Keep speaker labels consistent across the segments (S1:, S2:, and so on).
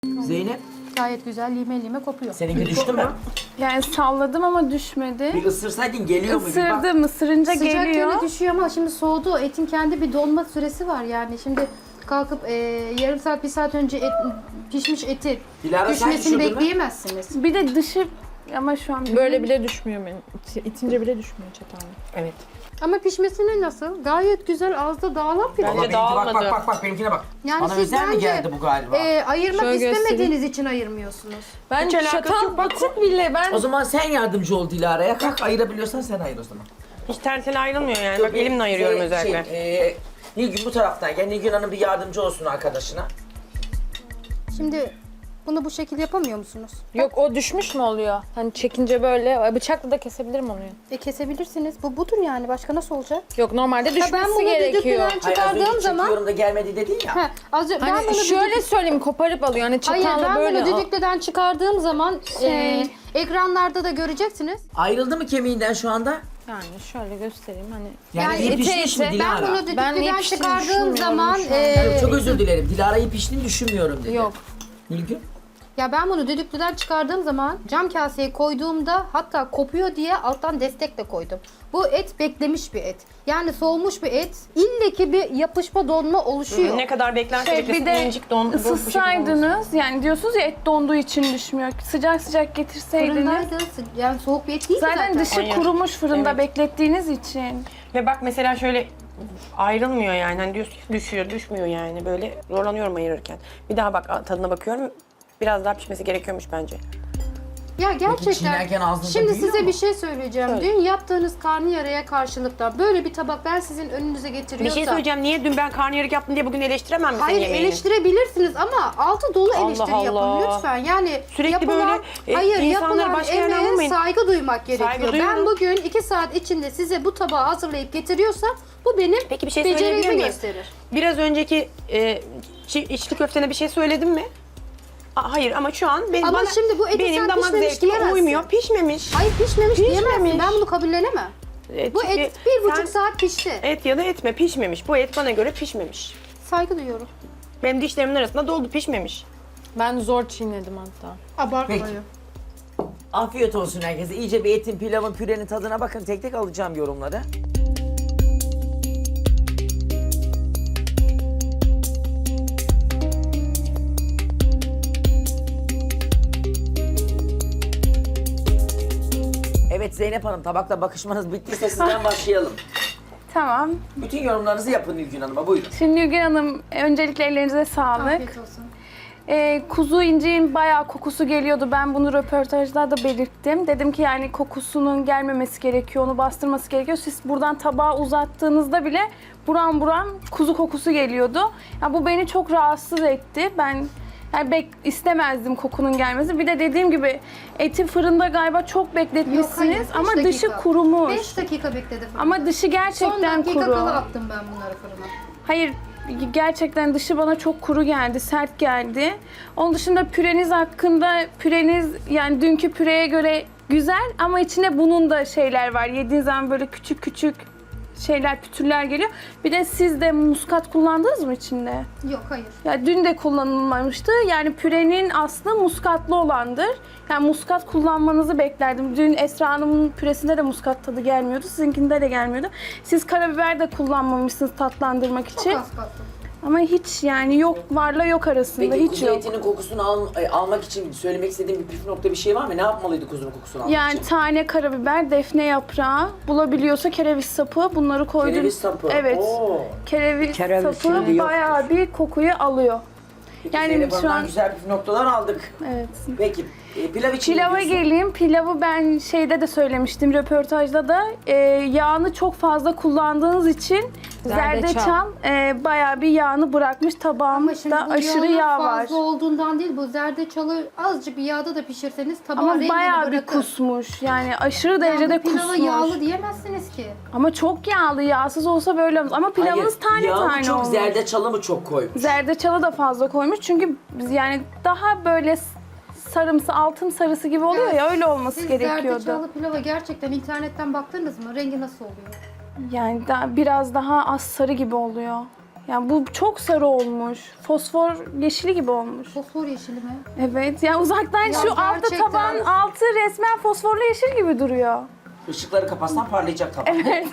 S1: Zeynep,
S2: Gayet güzel lime lime kopuyor.
S1: seninki düştü mü?
S3: Yani salladım ama düşmedi.
S1: Bir ısırsaydın geliyor mu? Bir bak.
S3: Isırdım, ısırınca
S2: Sıcak
S3: geliyor.
S2: yine düşüyor ama şimdi soğudu. Etin kendi bir donma süresi var yani. Şimdi kalkıp yarım saat, bir saat önce pişmiş eti
S1: Dilara, sen
S2: düşmesini
S1: düşürdün mü?
S2: bekleyemezsiniz.
S3: Bir de dışı ama şu an
S4: Böyle bile düşmüyor benim. İtince bile düşmüyor çatalla.
S5: Evet.
S2: Ama pişmesine nasıl? Gayet güzel, ağızda dağılan pilav.
S1: Valla benimki
S5: dağılmadı.
S1: bak benimkine bak.
S2: Yani
S1: Bana
S2: siz
S1: özel mi
S2: bence
S1: geldi bu galiba?
S2: Ayırmak
S4: Şöyle
S2: istemediğiniz için ayırmıyorsunuz.
S4: Ben
S5: Hiç alakası
S4: çatal
S5: yok, bak.
S4: batık bile ben
S1: O zaman sen yardımcı ol Dilara'ya. Kalk ayırabiliyorsan sen ayır o zaman.
S5: Hiç tersine ayrılmıyor yani. Bak elimle ayırıyorum özellikle.
S1: Nilgün bu taraftan gel. Nilgün Hanım bir yardımcı olsun arkadaşına.
S2: Şimdi bunu bu şekilde yapamıyor musunuz?
S4: yok o düşmüş mü oluyor? Hani çekince böyle bıçakla da kesebilirim onu.
S2: Kesebilirsiniz. Bu budur yani. Başka nasıl olacak?
S4: Yok normalde
S2: Ha,
S4: düşmesi
S2: ben bunu
S4: gerekiyor.
S2: düdüklüden
S1: Hayır, az önce
S2: çıkardığım zaman...
S1: çekiyorum da gelmedi dedin ya.
S2: Ha, ben
S4: Hani
S2: bunu
S4: şöyle söyleyeyim koparıp alıyor. Hani
S2: Hayır,
S4: çatalla
S2: ben
S4: böyle.
S2: bunu düdüklüden çıkardığım zaman ekranlarda da göreceksiniz.
S1: Ayrıldı mı kemiğinden şu anda?
S4: Yani şöyle göstereyim hani.
S1: Yani,
S2: Yani
S1: iyi
S4: ete
S1: pişmiş mi
S4: ete,
S1: Dilara?
S2: Ben bunu
S4: Ben
S2: düdüklüden
S4: iyi piştiğini
S2: çıkardığım
S4: düşünmüyorum
S2: zaman
S4: şu an.
S1: Yok, çok özür dilerim. Dilara'yı piştiğini düşünmüyorum dedi.
S4: Yok.
S1: Nilgün?
S2: ya ben bunu düdüklüden çıkardığım zaman cam kaseye koyduğumda hatta kopuyor diye alttan destek de koydum. Bu et beklemiş bir et. Yani soğumuş bir et. İlle ki bir yapışma donma oluşuyor.
S5: Ne kadar beklerse
S3: bir
S5: beklesin
S3: de
S5: incik don.
S3: ısıtsaydınız yani diyorsunuz ya et donduğu için düşmüyor. Sıcak sıcak getirseydiniz.
S2: Fırındaydı. Yani soğuk bir et değil
S3: Zaten dışı
S5: Hayır.
S3: kurumuş fırında
S5: Evet.
S3: beklettiğiniz için.
S5: Ve bak mesela şöyle ayrılmıyor yani. Hani diyorsun ki düşüyor, düşmüyor yani. Böyle zorlanıyorum ayırırken. Bir daha bak tadına bakıyorum. Biraz daha pişmesi gerekiyormuş bence.
S2: Ya gerçekten.
S1: çiğnerken ağzınıza
S2: Şimdi
S1: büyüyor
S2: size
S1: mu?
S2: bir şey söyleyeceğim.
S5: Söyle.
S2: Dün yaptığınız karnıyarıya karşılıktan böyle bir tabak ben sizin önünüze
S5: Bir
S2: getiriyorsam.
S5: şey söyleyeceğim. Niye dün ben karnıyarık yaptım diye bugün eleştiremem mi senin
S2: Hayır
S5: yemeğini?
S2: eleştirebilirsiniz ama altı dolu
S5: Allah
S2: eleştiri yapın
S5: Allah.
S2: lütfen. Yani
S5: Sürekli
S2: yapılan,
S5: böyle,
S2: hayır
S5: insanları
S2: yapılan
S5: başka yerden
S2: emeğe
S5: vurmayın.
S2: saygı duymak gerekiyor.
S5: Saygı
S2: Ben
S5: duyuyorum.
S2: bugün 2 saat içinde size bu tabağı hazırlayıp getiriyorsam bu benim
S5: Peki bir şey söyleyebilir
S2: becerimi
S5: miyim?
S2: gösterir.
S5: Biraz önceki içli köftene bir şey söyledim mi? Hayır ama şu an
S2: Ama
S5: bana,
S2: şimdi bu eti
S5: benim
S2: sen
S5: damak
S2: pişmemiş
S5: zevkime
S2: diyemezsin.
S5: uymuyor. Pişmemiş.
S2: Hayır pişmemiş diyemezsin.
S5: Pişmemiş.
S2: Ben bunu kabullenemem. Bu
S5: Çünkü
S2: et 1,5
S5: sen
S2: saat pişti.
S5: Et ya da etme pişmemiş. Bu et bana göre pişmemiş.
S2: Saygı duyuyorum.
S5: Benim dişlerimin arasında doldu pişmemiş.
S4: Ben zor çiğnedim hatta.
S2: Abartmayın.
S1: Peki. Afiyet olsun herkese. İyice bir etin, pilavın, pürenin tadına bakın. Tek tek alacağım yorumları. Evet Zeynep Hanım, tabakla bakışmanız bittiyse sizden başlayalım.
S3: Tamam.
S1: Bütün yorumlarınızı yapın Nilgün Hanım'a, buyurun.
S3: Şimdi Nilgün Hanım öncelikle ellerinize sağlık.
S2: Afiyet olsun.
S3: Kuzu inciğin bayağı kokusu geliyordu. Ben bunu röportajlarda belirttim. Dedim ki yani kokusunun gelmemesi gerekiyor, onu bastırması gerekiyor. Siz buradan tabağı uzattığınızda bile buram buram kuzu kokusu geliyordu. Ya bu beni çok rahatsız etti. Ben yani istemezdim kokunun gelmesi. Bir de dediğim gibi eti fırında galiba çok bekletmişsiniz
S2: beş
S3: ama
S2: dakika.
S3: dışı kurumuş.
S2: 5 dakika bekledi fırında.
S3: Ama dışı
S2: Son
S3: gerçekten
S2: dakika
S3: kuru.
S2: kala attım ben bunları fırına.
S3: Hayır, gerçekten dışı bana çok kuru geldi, sert geldi. Onun dışında püreniz hakkında, püreniz yani dünkü püreye göre güzel ama içine bunun da şeyler var. Yediğiniz zaman böyle küçük küçük şeyler, pütürler geliyor. Bir de siz de muskat kullandınız mı içinde?
S2: Yok hayır.
S3: Ya dün de kullanılmamıştı. Yani pürenin aslı muskatlı olandır. Yani muskat kullanmanızı beklerdim. Dün Esra Hanım'ın püresinde de muskat tadı gelmiyordu. Sizinkinde de gelmiyordu. Siz karabiber de kullanmamışsınız tatlandırmak
S2: Çok
S3: için.
S2: az kattım.
S3: Ama hiç yani yok, varla yok arasında
S1: Peki
S3: hiç
S1: kuzu
S3: yok.
S1: etinin kokusunu almak için söylemek istediğim bir püf nokta bir şey var mı? Ne yapmalıydı kuzunun kokusunu almak
S3: Yani
S1: için?
S3: tane karabiber, defne yaprağı, bulabiliyorsa kereviz sapı bunları koydum.
S1: Kereviz sapı.
S3: Evet.
S1: Oo.
S3: Kereviz
S5: Kereviz
S3: sapı
S5: şimdi yok.
S3: bayağı bir kokuyu alıyor.
S1: Peki
S3: Yani
S1: Zeynep
S3: şu
S1: Hanım'dan
S3: an-
S1: güzel püf noktalar aldık.
S3: Evet.
S1: Peki pilav için
S3: Pilava
S1: ne diyorsun?
S3: geleyim. Pilavı ben şeyde de söylemiştim, röportajda da. Yağını çok fazla kullandığınız için zerdeçal bayağı bir yağını bırakmış.
S2: Ama şimdi
S3: Tabağımda
S2: bu
S3: aşırı
S2: yağın
S3: yağ var.
S2: fazla olduğundan değil, bu zerdeçalı azıcık bir yağda da pişirseniz tabağa
S3: Ama
S2: rengini
S3: bayağı bir
S2: bırakır.
S3: kusmuş. Yani aşırı
S2: Yani
S3: derecede
S2: pilava
S3: kusmuş.
S2: yağlı diyemezsiniz ki.
S3: Ama çok yağlı, yağsız olsa böyle olmaz. Ama pilavınız
S1: Hayır,
S3: tane
S1: yağı
S3: tane
S1: çok
S3: olmuş.
S1: zerdeçalı mı çok koymuş?
S3: Zerdeçalı da fazla koymuş. Çünkü biz yani daha böyle sarımsı, altın sarısı gibi oluyor
S2: Evet.
S3: ya, öyle olması
S2: Siz
S3: gerekiyordu.
S2: zerdeçalı pilava gerçekten internetten baktınız mı? Rengi nasıl oluyor?
S3: Yani biraz daha az sarı gibi oluyor. Yani bu çok sarı olmuş. Fosfor yeşili gibi olmuş.
S2: Fosfor yeşili mi?
S3: Evet, yani uzaktan
S2: Ya
S3: şu altta
S2: gerçekten.
S3: taban altı resmen fosforlu yeşil gibi duruyor.
S1: Işıkları kapatsan parlayacak tabak. Evet.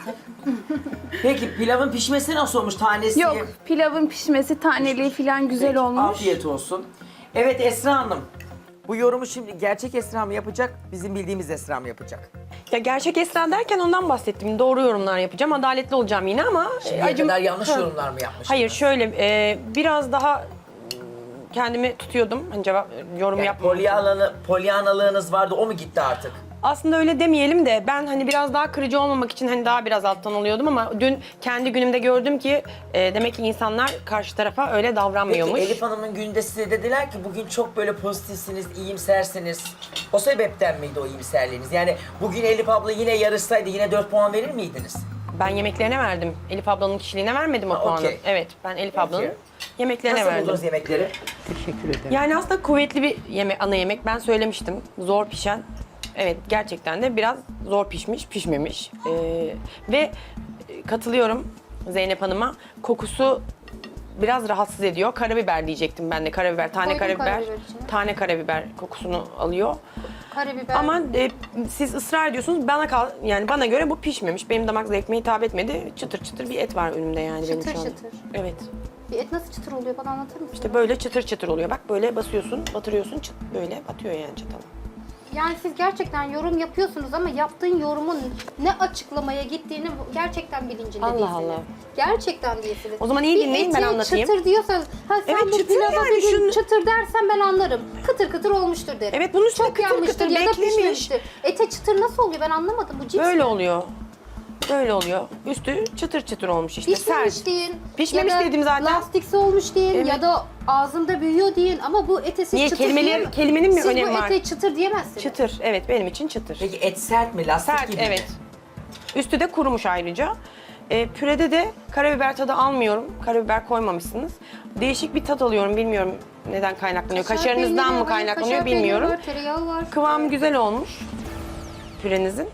S1: Peki pilavın pişmesi nasıl olmuş? Tanesi?
S3: Yok, pilavın pişmesi, taneliği falan güzel
S1: Peki,
S3: olmuş.
S1: Afiyet olsun. Evet Esra Hanım. Bu yorumu şimdi gerçek Esra mı yapacak, bizim bildiğimiz Esra mı yapacak?
S5: Ya gerçek Esra derken ondan bahsettim. Doğru yorumlar yapacağım. Adaletli olacağım yine ama...
S1: Şimdiye kadar yanlış yorumlar mı yapmış?
S5: Hayır şöyle biraz daha kendimi tutuyordum. Hani yorum yapmamak için.
S1: Polyanalığınız vardı, o mu gitti artık?
S5: Aslında öyle demeyelim de ben hani biraz daha kırıcı olmamak için hani daha biraz alttan oluyordum ama dün kendi günümde gördüm ki demek ki insanlar karşı tarafa öyle davranmıyormuş.
S1: Peki Elif Hanım'ın günde size dediler ki bugün çok böyle pozitifsiniz, iyimsersiniz. O sebepten miydi o iyimserliğiniz? Yani bugün Elif abla yine yarışsaydı yine 4 puan verir miydiniz?
S5: Ben yemeklerine verdim. Elif ablanın kişiliğine vermedim o
S1: Ha,
S5: puanı.
S1: okey.
S5: Evet ben Elif ablanın yemeklerine
S1: Nasıl
S5: verdim.
S1: buldunuz yemekleri?
S6: Teşekkür ederim.
S5: Yani aslında kuvvetli bir ana yemek. Ben söylemiştim. Zor pişen. Evet gerçekten de biraz zor pişmemiş. Ve katılıyorum Zeynep Hanım'a. Kokusu biraz rahatsız ediyor. Karabiber diyecektim ben de. Karabiber, tane
S2: Koydum
S5: karabiber.
S2: karabiber içine.
S5: Tane karabiber kokusunu alıyor.
S2: Karabiber.
S5: Ama siz ısrar ediyorsunuz. Yani bana göre bu pişmemiş. Benim damak zevkime hitap etmedi. Çıtır çıtır bir et var önümde yani benim
S2: Çıtır
S5: şu an.
S2: çıtır.
S5: Evet.
S2: Bir et nasıl çıtır oluyor bana anlatır mısın?
S5: İşte böyle çıtır çıtır oluyor. Bak böyle basıyorsun, batırıyorsun, böyle batıyor yani çatala.
S2: Yani siz gerçekten yorum yapıyorsunuz ama yaptığın yorumun ne açıklamaya gittiğini gerçekten bilincinde
S5: Allah
S2: değilsiniz.
S5: Allah.
S2: Gerçekten değilsiniz.
S5: O zaman iyi dinleyin, ben anlatayım.
S2: çıtır diyorsanız, ha sen
S5: Evet,
S2: bu
S5: çıtır
S2: pilava
S5: yani,
S2: bir gün
S5: şunu-
S2: çıtır dersen ben anlarım. Kıtır kıtır olmuştur derim.
S5: Evet, bunun üstüne
S2: Çok
S5: kıtır
S2: yanmıştır
S5: kıtır
S2: ya da
S5: beklemiş.
S2: pişmemiştir. Ete çıtır nasıl oluyor ben anlamadım. Bu cips
S5: Böyle
S2: mi?
S5: oluyor. Böyle oluyor. Üstü çıtır çıtır olmuş işte.
S2: Pişmemiş
S5: Sert.
S2: deyin.
S5: Pişmemiş
S2: ya da
S5: dedim zaten.
S2: Lastiksi olmuş deyin
S5: Evet.
S2: ya da ağzında büyüyor deyin ama bu ete siz
S5: Niye?
S2: çıtır
S5: Kelimenin mi
S2: Siz
S5: önemi
S2: bu
S5: var?
S2: ete çıtır diyemezsiniz.
S5: Çıtır. Evet benim için çıtır.
S1: Peki et sert mi, lastik
S5: Sert
S1: gibi mi?
S5: evet. Üstü de kurumuş ayrıca. Pürede de karabiber tadı almıyorum. Karabiber koymamışsınız. Değişik bir tat alıyorum. Bilmiyorum neden kaynaklanıyor.
S2: Kaşar
S5: Kaşarınızdan
S2: peyniri
S5: mı
S2: var,
S5: kaynaklanıyor
S2: kaşar peyniri
S5: bilmiyorum.
S2: var, tereyağı var.
S5: Kıvamı güzel olmuş pürenizin.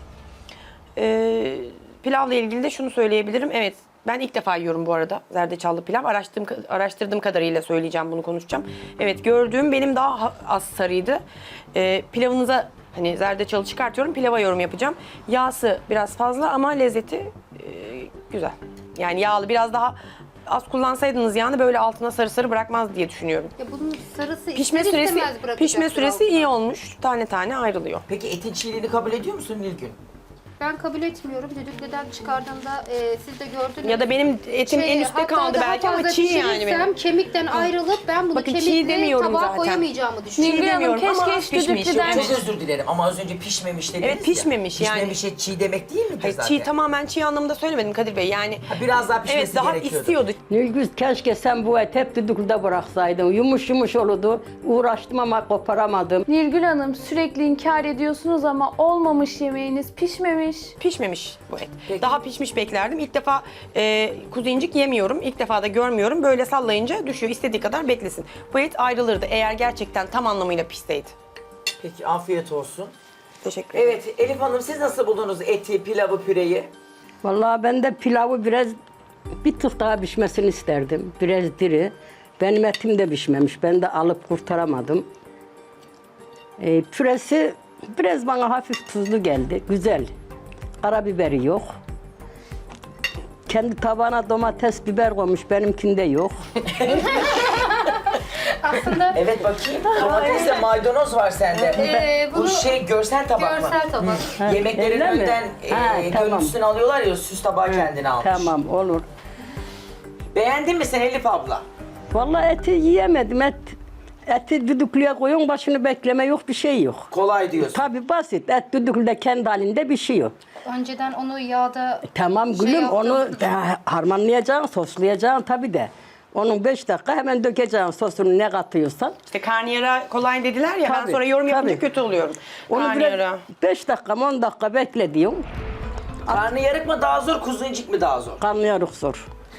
S5: Pilavla ilgili de şunu söyleyebilirim. Evet ben ilk defa yiyorum bu arada zerdeçallı pilav. Araştırdığım kadarıyla söyleyeceğim, bunu konuşacağım. Evet gördüğüm benim daha az sarıydı. Pilavınıza hani zerdeçalı çıkartıyorum, pilava yorum yapacağım. Yağsı biraz fazla ama lezzeti güzel. Yani yağlı biraz daha az kullansaydınız yağını böyle altına sarı sarı bırakmaz diye düşünüyorum.
S2: Ya bunun sarısı
S5: Pişme
S2: ister
S5: süresi
S2: istemez bırakacaktır
S5: pişme süresi
S2: altına.
S5: iyi olmuş. Tane tane ayrılıyor.
S1: Peki etin çiğliğini kabul ediyor musun Nilgün?
S2: Ben kabul etmiyorum. Düdüklüden çıkardığımda siz de gördünüz.
S5: Ya da benim etim en üstte
S2: hatta
S5: kaldı
S2: daha
S5: belki ama
S2: fazla
S5: çiğ yani
S2: pişirirsem
S5: benim.
S2: kemikten ayrılıp ben bunu
S5: Bakın, çiğ
S2: kemikle
S5: demiyorum
S2: tabağa
S5: zaten.
S2: koyamayacağımı düşünüyorum.
S3: Nilgün Hanım
S5: demiyorum ama
S3: keşke
S5: az
S3: hiç
S5: pişmiş.
S3: düdüklüden...
S1: Çok özür dilerim ama az önce pişmemiş dediniz
S5: Evet, pişmemiş
S1: ya.
S5: yani.
S1: Pişmemiş et çiğ demek değil midir
S5: Hayır,
S1: zaten?
S5: tamamen çiğ anlamında söylemedim Kadir Bey. Yani
S1: Ha, biraz daha pişmesi
S5: evet daha
S1: gerekiyordu.
S5: istiyordu.
S6: Nilgün keşke sen bu eti hep düdüklüde bıraksaydın. Yumuş yumuş olurdu. Uğraştım ama koparamadım.
S3: Nilgün Hanım sürekli inkar ediyorsunuz ama olmamış yemeğiniz, pişmemiş.
S5: Pişmemiş bu et.
S1: Peki.
S5: Daha pişmiş beklerdim. İlk defa kuzu incik yemiyorum. İlk defa da görmüyorum. Böyle sallayınca düşüyor. İstediği kadar beklesin. Bu et ayrılırdı eğer gerçekten tam anlamıyla pişseydi.
S1: Peki afiyet olsun.
S5: Teşekkür ederim.
S1: Evet Elif Hanım siz nasıl buldunuz eti, pilavı, püreyi?
S6: Vallahi ben de pilavı biraz bir tık daha pişmesini isterdim. Biraz diri. Benim etim de pişmemiş. Ben de alıp kurtaramadım. Püresi biraz bana hafif tuzlu geldi. Güzel. Karabiberi yok. Kendi tabağına domates, biber koymuş. Benimkinde yok.
S2: Aslında
S1: Evet bakayım. Domatesle maydanoz var sende. Bu
S2: bunu
S1: görsel tabak mı?
S2: görsel tabak.
S1: Yemeklerin
S6: Öyle mi?
S1: önden
S6: Ha, tamam.
S1: görüntüsünü alıyorlar ya süs tabağı kendine almış.
S6: Tamam olur.
S1: Beğendin mi sen Elif abla?
S6: Vallahi eti yiyemedim. Eti düdüklüye koyun, başını bekleme yok, bir şey yok.
S1: Kolay diyorsun.
S6: Tabii basit. Et düdüklüde kendi halinde bir şey yok.
S2: Önceden onu yağda
S6: Tamam gülüm
S2: yaptım.
S6: onu harmanlayacaksın, soslayacaksın tabii de. Onun 5 dakika hemen dökeceksin sosunu ne katıyorsan.
S5: İşte karnıyara kolay dediler ya ben
S6: Tabii,
S5: sonra yorum yapınca
S6: tabii.
S5: kötü oluyorum.
S6: Onu
S5: Karnıyara.
S6: biraz 5 dakika 10 dakika bekle diyorum.
S1: Karnıyarık mı daha zor, kuzu incik mi daha zor?
S6: Karnıyarık zor.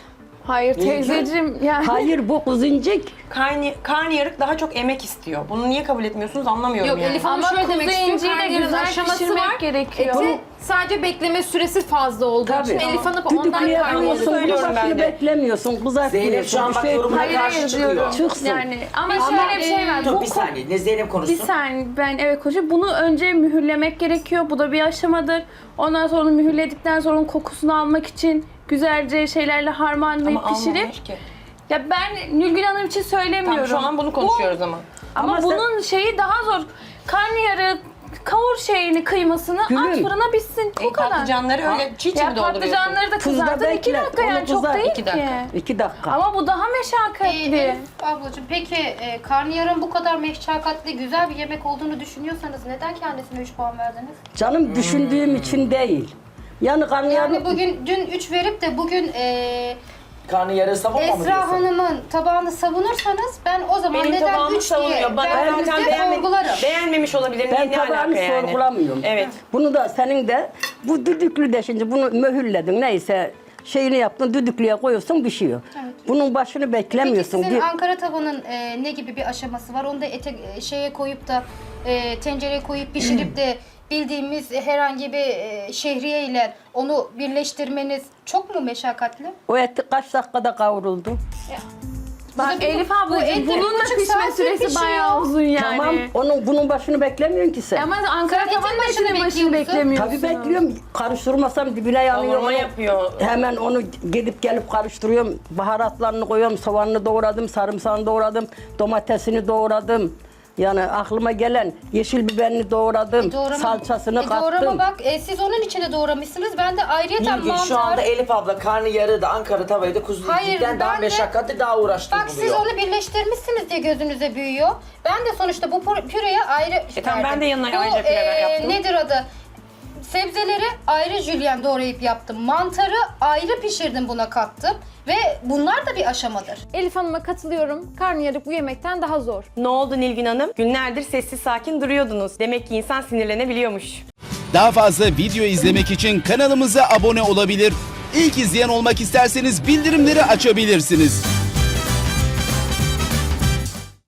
S3: Hayır teyzeciğim yani.
S6: Hayır bu kuzuncuk.
S5: Karnıyarık daha çok emek istiyor. Bunu niye kabul etmiyorsunuz anlamıyorum
S4: Yok
S5: yani.
S4: Elif Hanım
S3: Ama
S4: şöyle
S3: kuzu
S4: demek istiyor.
S3: inciği de
S4: Karnıyarın
S3: güzel
S4: aşaması
S3: pişirmek
S4: var.
S3: gerekiyor.
S4: Eti sadece bekleme süresi fazla olduğu
S6: Tabii.
S4: için Elif Hanım ondan
S6: Düdüklüye
S4: kaynıyor.
S6: koyuyorsun,
S5: söylüyorum
S6: bunu
S5: ben
S6: başını
S5: de.
S6: beklemiyorsun,
S1: Zeynep şu
S6: kızartmıyorsun.
S1: an
S6: Bir
S1: bak
S6: şey
S1: yorumuna
S3: Hayır
S1: karşı
S3: hayır
S1: çıkıyor.
S3: diyorum.
S6: Çıksın.
S3: Yani ama
S5: Ama-
S3: şöyle bir şey var.
S1: Dur
S3: Bu
S1: bir saniye. Ne Zeynep konuşsun.
S3: Bir saniye ben evet konuşayım. Bunu önce mühürlemek gerekiyor. Bu da bir aşamadır. Ondan sonra onu mühürledikten sonra onun kokusunu almak için güzelce şeylerle harmanlayıp
S5: Ama
S3: pişirip.
S5: almamış ki.
S3: Ya ben Nilgün Hanım için söylemiyorum.
S5: Tamam şu an bunu konuşuyoruz ama.
S3: Ama
S6: Ama
S3: bunun şeyi daha zor. Karnıyarık kavur kıymasını
S6: Gülüm.
S3: at fırına pişsin. Bu kadar.
S5: Patlıcanları öyle çiğ çiğ
S3: Ya
S5: mi dolduruyorsun?
S3: patlıcanları da
S6: Tuzla
S3: kızartın 2
S6: beklet,
S3: dakika
S6: onu
S3: yani çok
S6: kızart,
S3: değil
S5: 2
S3: ki.
S5: dakika.
S6: 2 dakika.
S3: Ama bu daha meşakkatli.
S2: Elif ablacığım peki karnıyarın bu kadar meşakkatli güzel bir yemek olduğunu düşünüyorsanız neden kendisine 3 puan verdiniz?
S6: Canım düşündüğüm için değil. Yani karnıyarık
S2: Yani bugün dün 3 verip de bugün
S1: Karnıyarığı savunma mı
S2: Esra
S1: diyorsun?
S2: Hanım'ın tabağını savunursanız ben o zaman
S5: Benim
S2: neden
S5: tabağımı
S2: 3 diye
S5: savunuyor. Bana zaten
S2: verdiğinizde sorgularım.
S5: beğenmemiş olabilir.
S6: ben
S5: Ne alaka
S6: tabağını
S5: yani?
S6: sorgulamıyorum.
S5: Evet.
S6: Bunu da senin de bu düdüklü de şimdi bunu mühürledin neyse şeyini yaptın düdüklüye koyuyorsun pişiyor. Bunun başını
S2: Peki
S6: beklemiyorsun.
S2: sizin Ankara tavanın ne gibi bir aşaması var? Onu da şeye koyup da tencereye koyup pişirip de bildiğimiz herhangi bir şehriye ile onu birleştirmeniz çok mu meşakkatli?
S6: O et kaç dakikada kavruldu?
S3: Bak Elif
S2: bu
S3: ablacığım
S2: et
S3: bunun da
S2: 1,5
S3: pişme
S2: saattir
S3: süresi
S2: pişiyor.
S3: bayağı uzun yani.
S6: Tamam bunun başını beklemiyorsun ki sen.
S3: Ama Ankara
S2: Sen etin
S3: tavanın
S2: başını
S3: etinin başını
S2: bekliyor musun?
S3: beklemiyorsun.
S6: Tabii bekliyorum. Karıştırmasam dibine yanıyor.
S5: Kavurma
S6: Onu
S5: yapıyor.
S6: Hemen onu gidip gelip karıştırıyorum. Baharatlarını koyuyorum. Soğanını doğradım, sarımsağını doğradım, domatesini doğradım. Yani aklıma gelen yeşil biberini doğradım, salçasını kattım.
S2: Doğrama bak siz onun içine doğramışsınız. Ben de ayrıyeten
S1: Nilgün
S2: mantar...
S1: şu anda Elif abla karnıyarığı da Ankara tavayı da kuzu
S2: Hayır,
S1: incikten daha
S2: ben de-
S1: meşakkatli, daha uğraştırıcı
S2: Bak siz
S1: buluyor.
S2: onu birleştirmişsiniz diye gözünüze büyüyor. Ben de sonuçta bu püreye ayrı
S5: tamam, ben
S2: verdim.
S5: de yanına
S2: Bu,
S5: ayrıca püre yaptım.
S2: Nedir adı? Sebzeleri ayrı jülyen doğrayıp yaptım. Mantarı ayrı pişirdim, buna kattım. Ve bunlar da bir aşamadır.
S4: Elif Hanım'a katılıyorum. Karnıyarık bu yemekten daha zor.
S5: Ne oldu Nilgün Hanım? Günlerdir sessiz sakin duruyordunuz. Demek ki insan sinirlenebiliyormuş.
S7: Daha fazla video izlemek için kanalımıza abone olabilir. İlk izleyen olmak isterseniz bildirimleri açabilirsiniz.